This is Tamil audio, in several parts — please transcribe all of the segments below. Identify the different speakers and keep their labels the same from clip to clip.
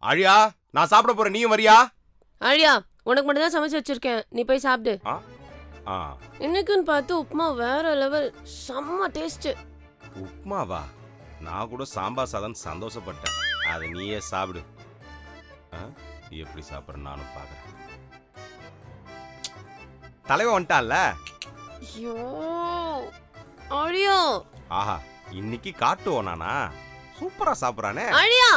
Speaker 1: ஆழியா, நான் சாப்பிட போறேன், நீயும் வரியா?
Speaker 2: ஆழியா, உனக்கு மட்டும் தான் சமைச்சு வச்சிருக்கேன், நீ போய் சாப்பிடு. இன்னைக்குன்னு பார்த்து உப்புமா வேற லெவல், செம்ம டேஸ்ட்.
Speaker 1: உப்புமாவா? நான் கூட சாம்பார் சாதம் சந்தோஷப்பட்டேன். அதை நீயே சாப்பிடு. எப்படி சாப்பிட்ற நானும் பார்க்குறேன். தலைவன் வந்துட்டான்ல.
Speaker 2: ஐயோ ஆழியா,
Speaker 1: ஆஹா, இன்னைக்கு காட்டுவோம் நானா? சூப்பரா சாப்பிட்றானே.
Speaker 2: ஆழியா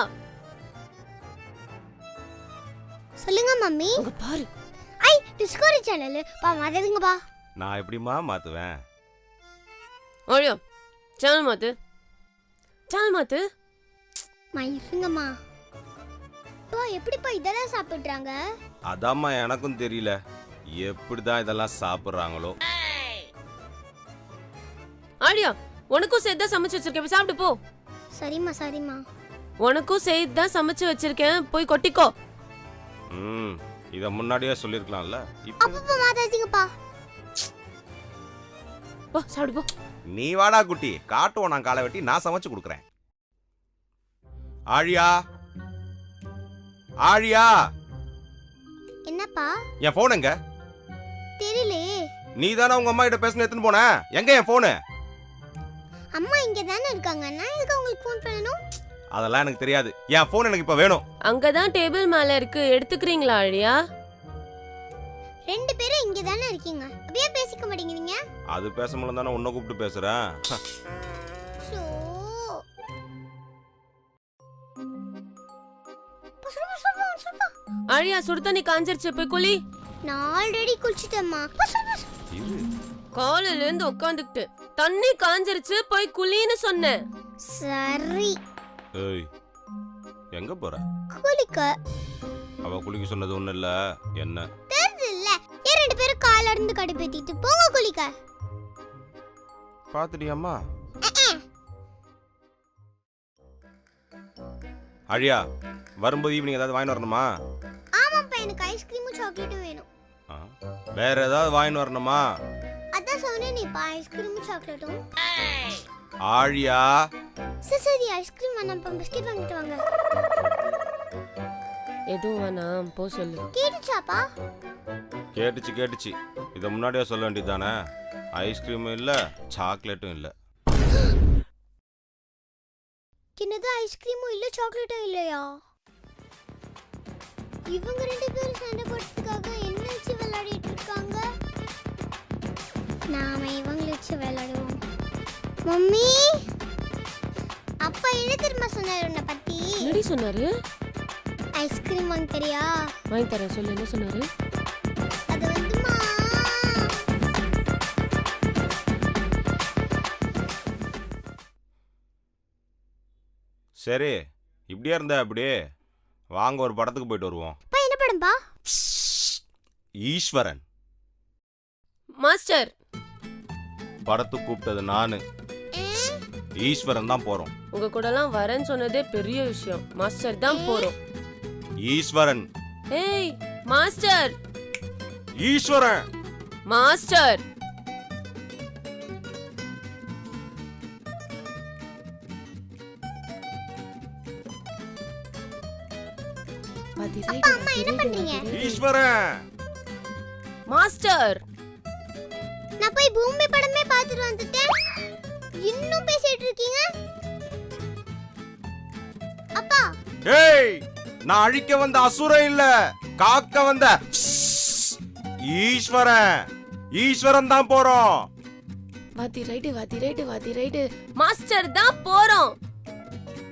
Speaker 3: சொல்லுங்க மம்மி.
Speaker 2: அங்க பாரு.
Speaker 3: ஐ டிஸ்கவரி சேனல் பா மாத்துங்கப்பா.
Speaker 1: நான் எப்படிமா மாத்துவேன்?
Speaker 2: ஆழியா சேனல் மாத்து, சேனல் மாத்து.
Speaker 3: இருங்கம்மா. பா எப்படிப்பா இதெல்லாம் சாப்பிடுறாங்க?
Speaker 1: அதாம்மா எனக்கும் தெரியல, எப்படிதான் இதெல்லாம் சாப்பிடுறாங்களோ.
Speaker 2: ஆழியா, உனக்கும் சேர்த்து தான் சமைச்சு வச்சிருக்கேன், போய் சாப்பிட்டு போ.
Speaker 3: சரிம்மா சரிம்மா.
Speaker 2: உனக்கும் சேர்த்து தான் சமைச்சு வச்சிருக்கேன், போய் கொட்டிக்கோ.
Speaker 1: இத முன்னாடியே சொல்லிருக்கலாம்ல.
Speaker 3: அப்பப்பா மாத்தாதீங்கப்பா.
Speaker 2: போ சாப்பிடு போ.
Speaker 1: நீ வாடா குட்டி, காட்டுவோம் நான் காலை வெட்டி நான் சமைச்சு கொடுக்குறேன். ஆழியா, ஆழியா.
Speaker 3: என்னப்பா?
Speaker 1: என் போன் எங்க?
Speaker 3: தெரியலையே.
Speaker 1: நீ தானே உங்க அம்மா கிட்ட பேசணும் எடுத்துன்னு போன, எங்க என் போனு?
Speaker 3: அம்மா இங்க தானே இருக்காங்க, நான் எதுக்கு உங்களுக்கு ஃபோன் பண்ணணும்?
Speaker 1: அதெல்லாம் எனக்கு தெரியாது, என் போன் எனக்கு இப்ப வேணும்.
Speaker 2: அங்கதான் டேபிள் மேல இருக்கு, எடுத்துக்கிறீங்களா ஆழியா?
Speaker 3: ரெண்டு பேரும் இங்க தானே இருக்கீங்க, அப்படியே பேசிக்க மாட்டேங்கிறீங்க?
Speaker 1: அது பேச முடியல தானே உன்னை கூப்பிட்டு பேசுறேன்.
Speaker 2: ஆழியா, சுடு தண்ணி காஞ்சிருச்சு, போய் குளி.
Speaker 3: நான் ஆல்ரெடி குளிச்சிட்டேம்மா.
Speaker 2: காலையில இருந்து உட்காந்துக்கிட்டு தண்ணி காஞ்சிருச்சு, போய் குளின்னு சொன்னேன்.
Speaker 3: சரி.
Speaker 1: ஏய், எங்க போற?
Speaker 3: குளிக்க.
Speaker 1: அவ குளிக்க சொன்னது ஒண்ணு இல்ல, என்ன
Speaker 3: தெரியல. ஏன் ரெண்டு பேரும் கால்ல இருந்து கடுப்பேத்திட்டு போங்க குளிக்க.
Speaker 1: பாத்துட்டியாம்மா? அழியா, வரும்போது ஈவினிங் ஏதாவது வாங்கி வரணுமா?
Speaker 3: ஆமாப்பா, எனக்கு ஐஸ்கிரீமும் சாக்லேட்டும் வேணும்.
Speaker 1: வேற ஏதாவது வாங்கி வரணுமா?
Speaker 3: அதான் சொன்னேனே பா, ஐஸ்கிரீமும் சாக்லேட்டும்.
Speaker 1: ஆழியா.
Speaker 3: சரி ஐஸ்கிரீம் வேணாம்ப்பா, பிஸ்கட் வாங்கிட்டு வாங்க.
Speaker 2: எதுவும் வேணாம், போ சொல்லு.
Speaker 3: கேட்டுச்சாப்பா?
Speaker 1: கேட்டுச்சு. இத முன்னாடியே சொல்ல வேண்டியதானே? ஐஸ்கிரீமும் இல்ல, சாக்லேட்டும் இல்ல.
Speaker 3: என்னது, ஐஸ்கிரீமும் இல்ல சாக்லேட்டும் இல்லையா? இவங்க ரெண்டு பேரும் சண்டை போடுறதுக்காக என்ன வச்சு விளையாடிட்டு இருக்காங்க? நாம இவங்களை வச்சு விளையாடுவோம். மம்மி, அப்பா என்ன தெரியுமா சொன்னாரு உன்னை பத்தி?
Speaker 2: என்னடி சொன்னாரு?
Speaker 3: ஐஸ்கிரீம் வாங்கி தரியா?
Speaker 2: வாங்கி தரேன், சொல்லு என்ன சொன்னாரு?
Speaker 3: அது வந்துமா,
Speaker 1: சரி, இப்படியே இருந்தா அப்படியே வாங்க, ஒரு படத்துக்கு போயிட்டு வருவோம்.
Speaker 3: என்ன படம்பா?
Speaker 1: ஈஸ்வரன்.
Speaker 2: மாஸ்டர்,
Speaker 1: படத்துக்கு கூப்பிட்டது நானு. ஈஸ்வரன் தான் போறோம்.
Speaker 2: உங்க கூட எல்லாம் வரேன்னு சொன்னதே பெரிய விஷயம். மாஸ்டர் தான் போறோம்.
Speaker 1: ஈஸ்வரன்.
Speaker 2: ஏய் மாஸ்டர்.
Speaker 1: ஈஸ்வரன்.
Speaker 2: மாஸ்டர்.
Speaker 3: அப்பா அம்மா என்ன பண்றீங்க?
Speaker 1: ஈஸ்வரன்.
Speaker 2: மாஸ்டர்,
Speaker 3: நான் போய் பூமி படமே பார்த்துட்டு வந்துட்டேன், இன்னும் பேசிட்டு இருக்கீங்க? அப்பா.
Speaker 1: ஏய், நான் அழிக்க வந்த அசுரன் இல்ல, காக்க வந்த ஈஸ்வரன். ஈஸ்வரன் தான் போறோம்.
Speaker 2: வாத்தி ரைட்டு. மாஸ்டர் தான் போறோம்.